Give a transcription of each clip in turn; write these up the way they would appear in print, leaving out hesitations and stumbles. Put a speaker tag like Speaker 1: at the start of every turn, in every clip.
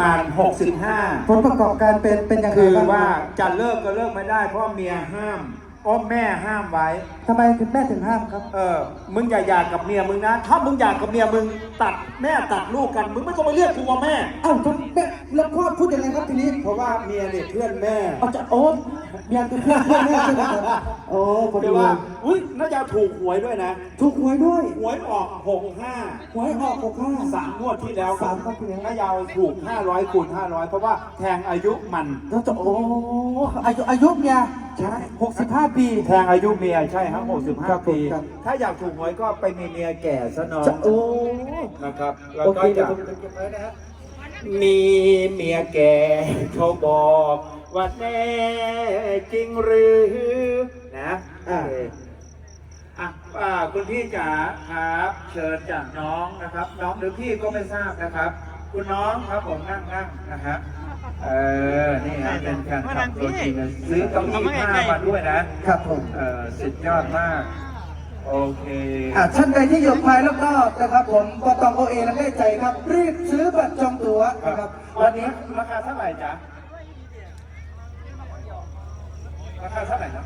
Speaker 1: มาณ65
Speaker 2: ผลประกอบการเป็นยังไง
Speaker 1: คือ
Speaker 2: บ้าง
Speaker 1: ว่าจะเลิกก็เลิกไม่ได้เพราะเมียห้ามแม่ห้ามไว้
Speaker 2: ทำไมถึงแม่ถึงห้ามครับ
Speaker 1: มึงอย่าหย่ากับเมียมึงนะถ้ามึงหย่ากับเมียมึงตัดแม่ตัดลูกกันมึงไม่ต้องมาเรียกกูว่าแม่
Speaker 2: อ้าวแม่แล้วพ่อพูดยังไงครับทีนี้
Speaker 1: เพราะว่าเมียเนี่ยเพื่อนแม่
Speaker 2: เอาจะโอ๊ตเมียคือเพื่อนแม่ใช่ไหมครับโอ้พอ
Speaker 1: แต่
Speaker 2: ดี
Speaker 1: ว่าอุ้ยน่าจะถูกหวยด้วยนะ
Speaker 2: ถูกหวยด้วย
Speaker 1: หวยออก
Speaker 2: หวยออก65
Speaker 1: 3งวดที่แล้ว
Speaker 2: สามงวดที่แล้ว
Speaker 1: น้ายาวถูก500คูณ500เพราะว่าแทงอายุมัน
Speaker 2: แล้วจะโอ้อายุเมียใช่65 ปี
Speaker 1: แทงอายุเมียใช่ครับ
Speaker 2: ครับ
Speaker 1: 65 ปี
Speaker 2: ครับ
Speaker 1: ถ้าอยากถูกหวยก็ไปมีเมียแก่ซะหน่อย
Speaker 2: จะโอ้
Speaker 1: นะครับแล้ว
Speaker 2: โอ
Speaker 1: ก็
Speaker 2: เคเดี๋ย
Speaker 1: จะ
Speaker 2: วผมจะเก็บไว้นะฮะ
Speaker 1: มีเมียแก่เขาบอกว่าแน่จริงหรือนะคุณพี่จ๋าครับเชิญจากน้องนะครับ น้องหรือพี่ก็ไม่ทราบนะครับ คุณน้องครับผมนั่งนะครับนี่ฮะเป็นการขับตัวจริงซื้อเก้าอี้ผ้ามาด้วยนะครับ
Speaker 2: ผม
Speaker 1: สุดยอดมากโอเค
Speaker 2: ท่านใดที่อยู่ภายรอบๆนะครับผมก็ต้องโอเอและแน่ใจครับ รีบซื้อบัตรจองตั๋วนะครับ
Speaker 1: วันนี้ราคาเท่าไหร่จ๊ะราคาเท่าไหร่นะ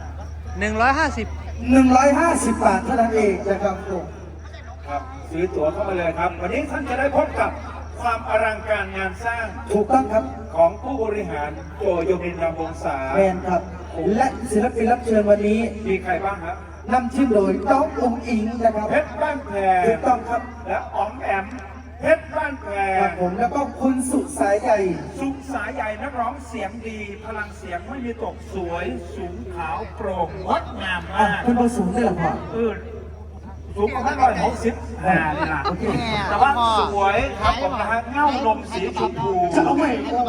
Speaker 2: 150 บาทเท่านั้นเองนะครับผม
Speaker 1: ครับซื้อตั๋วเข้ามาเลยครับ วันนี้ท่านจะได้พบกับความอลังการงานสร้าง
Speaker 2: ถูกต้องครับ
Speaker 1: ของผู้บริหารโจโยมินรำวงศา
Speaker 2: แมนครับ และศิลปินรับเชิญวันนี้
Speaker 1: มีใครบ้างครับ
Speaker 2: นำทีมโดยน้ององอิงนะครับ
Speaker 1: เพชรบ้านแพร
Speaker 2: ถูกต้องครับ
Speaker 1: และอ๋อมแอมเพชรบ้านแพร
Speaker 2: ครับผมแล้วก็คุณสุสายใหญ่
Speaker 1: สุสายใหญ่นักร้องเสียงดี พลังเสียงไม่มีตกสวยสูงขาวโปร่งงดงามมาก
Speaker 2: คุณประสูงได้หรือเปล่า
Speaker 1: สูงประมาณ160เลยล่ะ
Speaker 2: โอเค
Speaker 1: แต่ว่าสวยครับผมนะฮะเง่าลมสีชมพู
Speaker 2: จะเอาไหม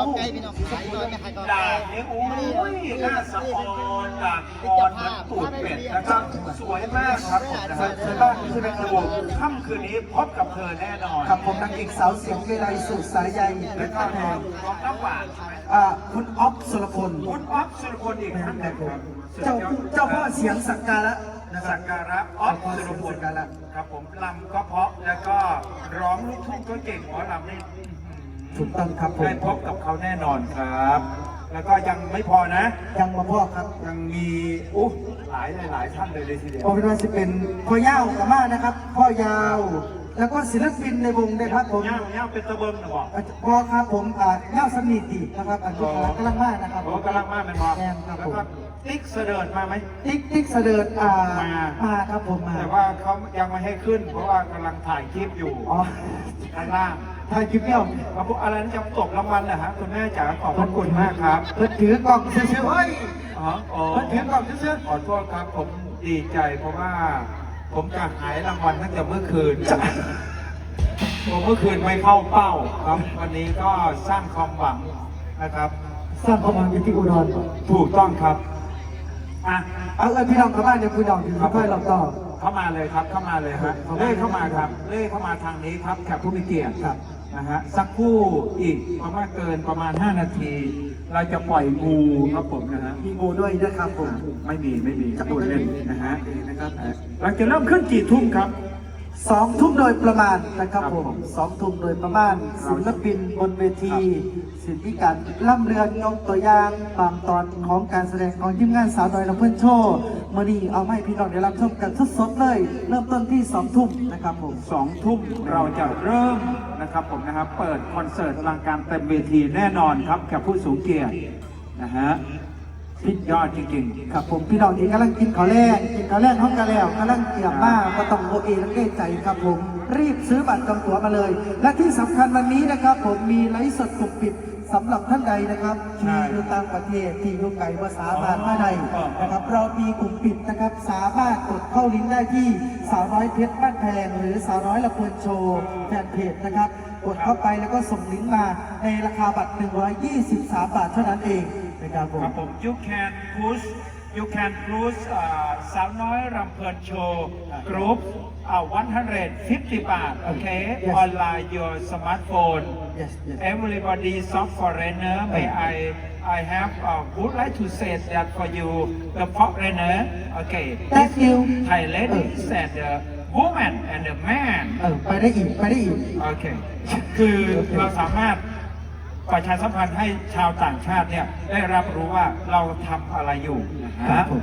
Speaker 1: ด่างนี่อุ้ยหน้าสะออนด่างอ่อนเหมือนตูดเป็ดนะครับสวยมากครับผมนะฮะจะต้องที่เป็นดูค่ำคืนนี้พบกับเธอแน่นอน
Speaker 2: ครับผมนางเอกสาวเสียงเวไลสุสายใหญ่
Speaker 1: แล้
Speaker 2: และ
Speaker 1: วก็
Speaker 2: ก็แพ
Speaker 1: น้
Speaker 2: ง
Speaker 1: องน้ำหวานใช่ไหม
Speaker 2: คุณอ๊อฟสุรพล
Speaker 1: คุณอ๊อฟสุรพลอีกท่านหนึ่งครับ
Speaker 2: เจ้าพ่อเสียงสักการะนะครั
Speaker 1: สั
Speaker 2: บ
Speaker 1: กการะอ๊อฟสุรพลครับผมลำก็เพราะแล้วก็ร้องลูกทุ่งก็เก่งหมอลำนี่
Speaker 2: ถูกต้องครับผม
Speaker 1: ได้พบกับเขาแน่นอนครับ แล้วก็ยังไม่พอนะ
Speaker 2: ยังมาพ่อครับ
Speaker 1: ยังมีหลายท่านเลยทีเดียว
Speaker 2: โอเป็นว่าจะเป็นพ่อยาวกับมานะครับ พ่อยาว แล้วก็ศิลปินในวงนะครับผม
Speaker 1: ย่างเป็นตะเบิงนะบอก
Speaker 2: พ่อครับผมยาวสนิทดีนะครับอันนี้กำลังมากนะครับ
Speaker 1: โอ้กำลังมากเป็นพอ
Speaker 2: แม่นครับ
Speaker 1: แล้ว
Speaker 2: ผม
Speaker 1: ก็ติ๊กเสดิร์ดมาไหม
Speaker 2: ติ๊กเสดิร์ดมาครับผมมา
Speaker 1: แต่ว่าเขายังไม่ให้ขึ้น เพราะว่ากำลังถ่ายคลิปอยู่
Speaker 2: อ๋อ
Speaker 1: ข้างล่าง
Speaker 2: ถ่ายคลิปเนี่ย
Speaker 1: เอาพวกอะไรนั่นจะตกรางวัลนะฮะคุณแม่จ๋าขอบพระคุณมากครับ
Speaker 2: เพิ่นถือกล่องเชื่อเฮ้ย
Speaker 1: อ๋อ
Speaker 2: เพิ่นถือกล่องเชื่อ
Speaker 1: ขอโทษครับผมดีใจเพราะว่าผมจะหายรางวัลตั้งแต่เมื่อคืนผมเมื่อคืนไม่เข้าเป้าครับ วันนี้ก็สร้างความหวังนะครับ
Speaker 2: สร้างความหวังอยู่ที่อุดร
Speaker 1: ถูกต้องครับอ่ะ
Speaker 2: เอาพี่น้องเข้าบ้านเดี๋ยวคุณน้องถึงค่อยเราต่อ
Speaker 1: เข้ามาเลยครับเข้ามาเลยฮะเล่เข้ามาครับเล่เข้ามาทางนี้ครับแขกผู้มีเกียรติครับนะฮะสักครู่อีกประมาณ5 นาที เราจะปล่อยงูครับผมนะฮะ
Speaker 2: มีงูด้วยนะครับผม
Speaker 1: ไม่มีจะพูดเล่นนะฮะนะครับเราจะเริ่มขึ้นกี่ทุ่มครับ
Speaker 2: 2 ทุ่มโดยประมาณนะครับ
Speaker 1: ครับ
Speaker 2: ผ
Speaker 1: ผม ม
Speaker 2: 2 ทุ่มโดยประมาณศิลปินบนเวทีศิลปิการล่ำเรือนยกตัวอย่างบางตอนของการแสดงของทีมงานสาวน้อยลำเพื่อนโชว์มื่อนี้เอาไม่พี่น้องได้รับชมกันสดๆเลย เริ่มต้นที่2 ทุ่มนะครับผม
Speaker 1: 2 ทุ่มเราจะเริ่มนะครับผมนะครับเปิดคอนเสิร์ตอลังการเต็มเวทีแน่นอนครับแขกผู้สูงเกียรตินะฮะพิยอดจริงๆ
Speaker 2: ครับผมพี่น้องที่กำลังกินข้าวแรงห้องกันแล้วกำลังเกี่ยมมากก็ต้องโอเอและเก้ใจครับผมรีบซื้อบัตรจองตั๋วมาเลย และที่สำคัญวันนี้นะครับผมมีไลฟ์สดกลุ่มปิดสำหรับท่านใดนะครับที่อยู่ต่างประเทศที่อยู่ไกลภาษาบาลมาใดนะครับเรามีกลุ่มปิดนะครับสามารถกดเข้าลิงก์ได้ที่สาวน้อยเพชรบ้านแพงหรือสาวน้อยละเพลินโชว์แฟนเพจนะครับกดเข้าไปแล้วก็ส่งลิงก์มาในราคาบัตร123 บาทเท่านั้นเองนะครับผม
Speaker 1: ครับผม you can push สาวน้อยรำเพลินโชว์กรุ๊ป150 บาทโอเค online your smartphone
Speaker 2: Yes, yes.
Speaker 1: everybody soft foreigner may I have would like to say that for you the foreigner okay
Speaker 2: Thank you.
Speaker 1: Thai ladies and the woman and the man
Speaker 2: ไปได้อีก
Speaker 1: โอเค คือเราสามารถประชาสัมพันธ์ให้ชาวต่างชาติเนี่ยได้รับรู้ว่าเราทำอะไรอยู่นะ
Speaker 2: ครั
Speaker 1: ฮะ
Speaker 2: บผม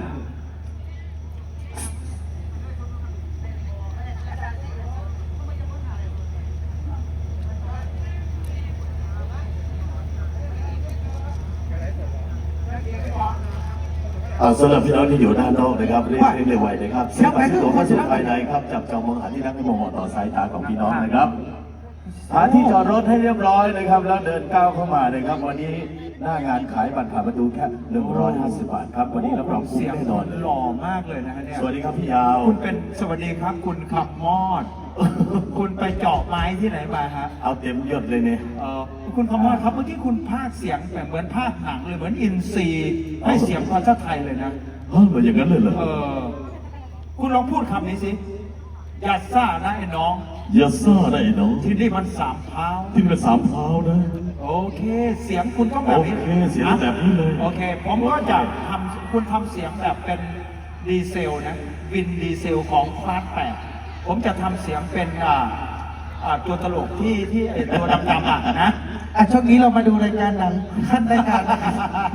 Speaker 3: สำหรับพี่น้องที่อยู่ด้านนอกนะครับเรียกเร็วไวนะครับเสียงภาษีตัวเข้าสู่ภายในครับจับจองมองหาที่นั่งให้มองต่อสายตาของพี่น้องนะครับหาที่จอดรถให้เรียบร้อยนะครับแล้วเดินก้าวเข้ามานะครับวันนี้หน้างานขายบัตรผ่านประตูแค่150 บาทครับวันนี้รับรองคุ้ม
Speaker 1: เสียง
Speaker 3: แน่นอน
Speaker 1: หล่อมากเลยนะฮะเนี่ย
Speaker 3: สวัสดีครับพี่ยาว
Speaker 1: คุณเป็นสวัสดีครับคุณขับมอด คุณไปเจาะไม้ที่ไหนมาฮะ
Speaker 3: เอาเต็มยศเลยเนี่ย
Speaker 1: คุณคำมอดครับเมื่อกี้คุณพากย์เสียงแบบเหมือนพากย์หนังเลยเหมือนอินซีให้เสียงภาษาไทยเลยนะ
Speaker 3: เหมือนอย่างนั้นเลยเหรอ
Speaker 1: คุณลองพูดคำนี้สิอย่าซ่านะไอ้น้อง
Speaker 3: อย่าซ่าได้เนาะ
Speaker 1: ที่นี่มันสามเท้า
Speaker 3: ที่เป็นสามเท้านะ
Speaker 1: โอเค เสียงคุณต้องแบบนี้
Speaker 3: โอเคเสียงแบบนี้เลย
Speaker 1: โอเค ผมก็จะทำคุณทำเสียงแบบเป็นดีเซลนะวินดีเซลของฟาสแปดผมจะทำเสียงเป็นตัวตลกที่ไอ้ตัวดำๆนะ
Speaker 2: ช่วงนี้เรามาดูรายการหนังขั้นรายการนะครับ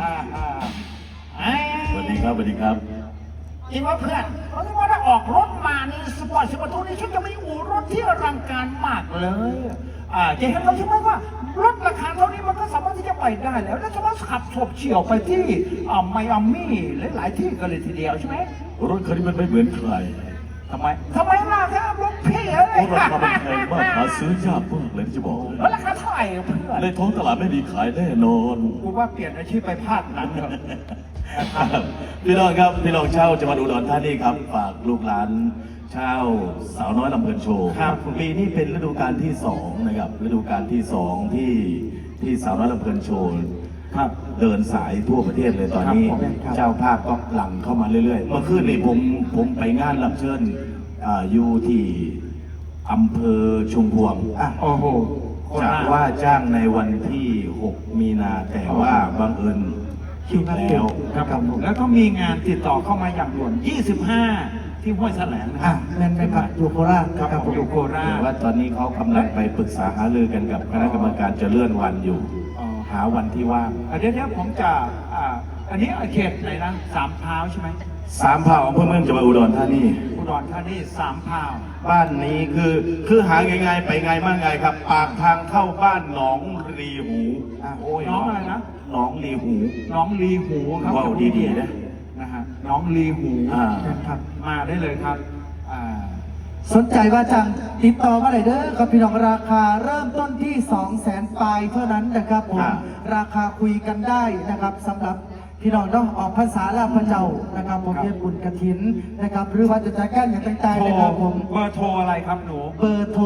Speaker 3: สวัสดีครับสวัสดีครับ
Speaker 1: จริงว่าเพื่อนเพราะว่าถ้าออกรถมานี่สปอร์ตสปอร์ตนี่ฉันจะไม่อู่รถที่อลังการมากเลยจะเห็นเราใช่ไหมว่ารถราคาเท่านี้มันก็สามารถที่จะไปได้แล้วแล้วจะมาขับฉบเฉี่ยวไปที่ไมอามี่หลายๆที่กันเลยทีเดียวใช่ไหม
Speaker 3: รถคันนี้มันไม่เหมือนใคร
Speaker 1: ทำไมล่ะครับรถพี่เอ้ย
Speaker 3: เพราะราคามันแพงมากหาซื้อยากมากเลยที่จะบอกเลย
Speaker 1: แล้วราคาเท่าไหร่เพื่อน
Speaker 3: ในท้องตลาดไม่มีขายแน่นอน
Speaker 1: กูว่าเปลี่ยนอาชีพไปภาคหนังเถอะ
Speaker 3: พี่น้องครับพี่น้องเช่าจังหวัดอุดรธานีครับฝากลูกหลานเช่าสาวน้อยลำเพลินโชว์
Speaker 1: ครับ
Speaker 3: ปีนี้เป็นฤดูกาลที่2นะครับฤดูกาลที่2ที่สาวน้อยลำเพลินโชว์
Speaker 1: ครับ
Speaker 3: เดินสายทั่วประเทศเลยตอนนี้
Speaker 1: ครับผม
Speaker 3: เจ้าภาพก็หลั่งเข้ามาเรื่อยๆเมื่อคืนนี้ผมไปงานรับเชิญอยู่ที่อำเภอชุมพวง
Speaker 1: โอ้โห
Speaker 3: จากว่าจ้างในวันที่ 6 มีนาแต่ว่าบังเอิญคิวแล้ว
Speaker 1: ครับผมแล้วก็มีงานติดต่อเข้ามาอย่างด่วน 25 ที่ห้วยแถลงนะ
Speaker 2: แม่นไหมครับอยู่โคราช
Speaker 1: ครับผมอยู่โครา
Speaker 3: แต่
Speaker 1: ช
Speaker 3: ว่าตอนนี้เขากำลังไปปรึกษาหารือกันกับคณะกรรมการจะเลื่อนวันอยู่
Speaker 1: อ๋อ
Speaker 3: หาวันที่ว่าง
Speaker 1: เดี๋ยวผมจะอันนี้เขตไหนนะสามพร้าวใช่ไหม
Speaker 3: สามเผ่าอำเภอเมืองจังหวัดอุดรธานี
Speaker 1: อุดรธานีสามพร้าว
Speaker 3: บ้านนี้คือหาง่ายๆไปง่ายมากไงครับ ปากทางเข้าบ้านหนองรีหูโอ้ย
Speaker 1: น้องอะไรนะ
Speaker 3: หนองรีหู
Speaker 1: น้องลีหูครับ
Speaker 3: ว้าวดีๆนะ
Speaker 1: นะฮะน้องลีหู
Speaker 2: ครับ
Speaker 1: มาได้เลยครับ
Speaker 2: สนใจว่าจังติดต่อมาเลยเด้อครับพี่น้องราคาเริ่มต้นที่ 200,000 ปลายเท่านั้นนะครับผมราคาคุยกันได้นะครับสำหรับพี่น้องต้องออกภาษาลาวพระเจ้านะครับผมเรียนบุญกฐินนะครับหรือว่าจะจัดการอย่างต่างๆนะครับผม
Speaker 1: เบอร์โทรอะไรครับหนู
Speaker 2: เบอร์โทร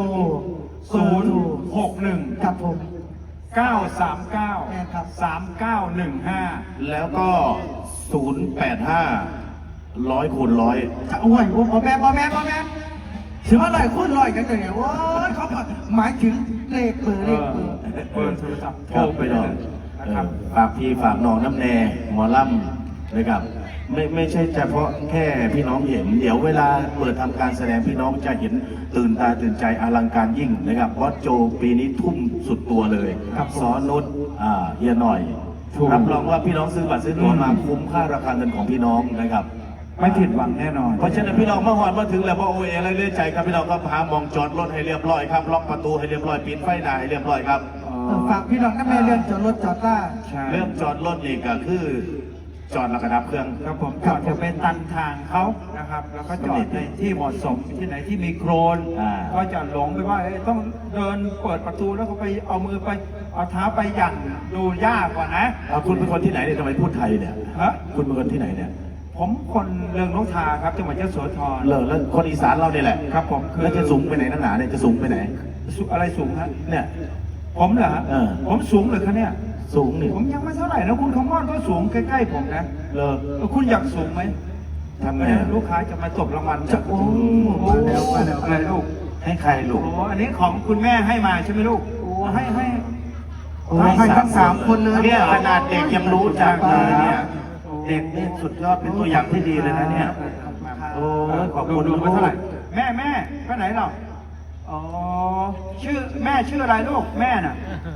Speaker 1: 061
Speaker 2: ครับผม
Speaker 1: 939
Speaker 2: ครับ
Speaker 1: 3915
Speaker 3: แล้วก็ 085 100 คูณ 100
Speaker 2: จะโอ้ยโอ้พ่อแม่ถือว่าลอยคุ้นลอยกันเลยโอ้ยเขาหมายถึงเลขเบอร์
Speaker 1: เบอร์โทรศัพท์โท
Speaker 3: ครับ
Speaker 1: ร
Speaker 3: ไป
Speaker 1: ไป
Speaker 3: น
Speaker 1: เล
Speaker 3: อน
Speaker 1: ยนะครับ
Speaker 3: ฝากพี่ฝากน้องน้ำแน่หมอล่ำนะครับไม่ใช่เฉพาะแค่พี่น้องเห็น เดี๋ยวเวลาเปิดทำการแสดงพี่น้องจะเห็นตื่นตาตื่นใจอลังการยิ่งนะครับเพราะโจปีนี้ทุ่มสุดตัวเลย
Speaker 1: ครับ
Speaker 3: สอนนุชเฮียหน่อย
Speaker 1: ถูก
Speaker 3: รับรองว่าพี่น้องซื้อบัตรซื้อตั๋วมาคุ้มค่าราคาเงินของพี่น้องนะครับ
Speaker 1: ไม่ผิดหวังแน่นอน
Speaker 3: เพราะฉะนั้นพี่น้องมาหอดมาถึงแล้วพอโอเออะไรเรื่อยใจครับพี่น้องก็พามองจอดรถให้เรียบร้อยครับล็อกประตูให้เรียบร้อยปิดไฟหน้าให้เรียบร้อยครับ
Speaker 2: ฝากพี่น้องนั่นแม่เรื่องจอดรถจอดล่า
Speaker 1: ใช่
Speaker 3: เรื่องจอดรถนี่ก็คือจอดแล้วก็ดับเครื่อง
Speaker 1: ครับผมจอดจะเป็นตันทางเขานะครับ แล้วก็จอดในที่เหมาะสมที่ไหนที่มีโครน ก็จะหลงไปว่าต้องเดินเปิดประตูแล้วก็ไปเอามือไปเอาเท้าไปหยั่งดูยากกว่านะ
Speaker 3: คุณเป็นคนที่ไหนเนี่ยทำไมพูดไทยเนี่ย
Speaker 1: ฮะ
Speaker 3: คุณเป็นคนที่ไหนเนี่ย
Speaker 1: ผมคนเรืองนกทาครับจังหวัดยโสธร
Speaker 3: แล้วคนอีสานเราเนี่ยแหละ
Speaker 1: ครับผมคือ
Speaker 3: แล้วจะสูงไปไหนนักหนาเนี่ยจะสูงไปไหน
Speaker 1: อะไรสูงฮะ
Speaker 3: เนี่ย
Speaker 1: ผมเหรอฮะ
Speaker 3: เออ
Speaker 1: ผมสูงเลยครับเนี่ย
Speaker 3: สูงนี่
Speaker 1: ผมยังไม่เท่าไหร่นะคุณคอมมอนก็สูงใกล้ๆผมนะ
Speaker 3: เลอ
Speaker 1: คุณอยากสูงไหม
Speaker 3: ทำไง
Speaker 1: ลูกค้าจะมาตบรางวัล
Speaker 2: จะโอ้มาแล้ว
Speaker 1: อะไรลูก
Speaker 3: ให้ใครลู
Speaker 1: โอ้
Speaker 3: ก
Speaker 1: อันนี้ของคุณแม่ให้มาใช่ไหมลูกโอ้ให้
Speaker 2: โอ้ให้ทั้ง3 คนเลย
Speaker 3: เนี่ยขนาดเด็กยังรู้จักเลยเนี่ยเด็กนี่สุดยอดเป็นตัวอย่างที่ดีเลยนะเนี่ย โอ้ยขอบคุณ
Speaker 1: ดู
Speaker 3: ลูก
Speaker 1: ไปเท่าไหร่แม่ไปไหนเราอ๋อชื่อแม่ชื่ออะไรลูกแม่น่ะ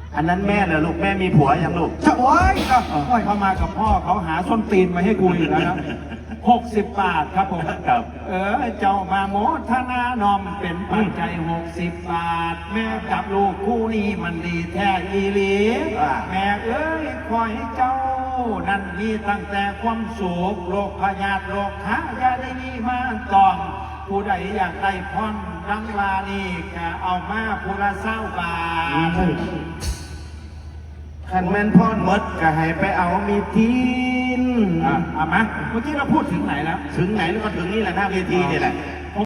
Speaker 3: อันนั้นแม่เหรอลูกแม่มีผัวยังลูก
Speaker 1: จะโอ้ยเขามากับพ่อเขาหาส้นตีนมาให้กูอีกแล้วนะ60 บาทครับผม
Speaker 3: ครับ
Speaker 1: เจ้ามาโมทนานอมเป็นปัจจัย60 บาท แม่กับลูกคู่นี้มันดีแท้อีหลีแม่เอ้ยคอยให้เจ้านั่นมีตั้งแต่ความสุขโรคพยาธิโรคหายาได้มีมาต้องผู้ใดอยากได้พรดังวานี่ก็เอามาผู้ละ20 บาท
Speaker 3: ขันแม่นพ่อมดก็ให้ไปเอามีทีน
Speaker 1: เอามาเมื่อกี้เราพูดถึงไหนแล้ว
Speaker 3: ถึงไหนแล้วก็ถึงนี่แหละหน้าเวทีนี่แหละ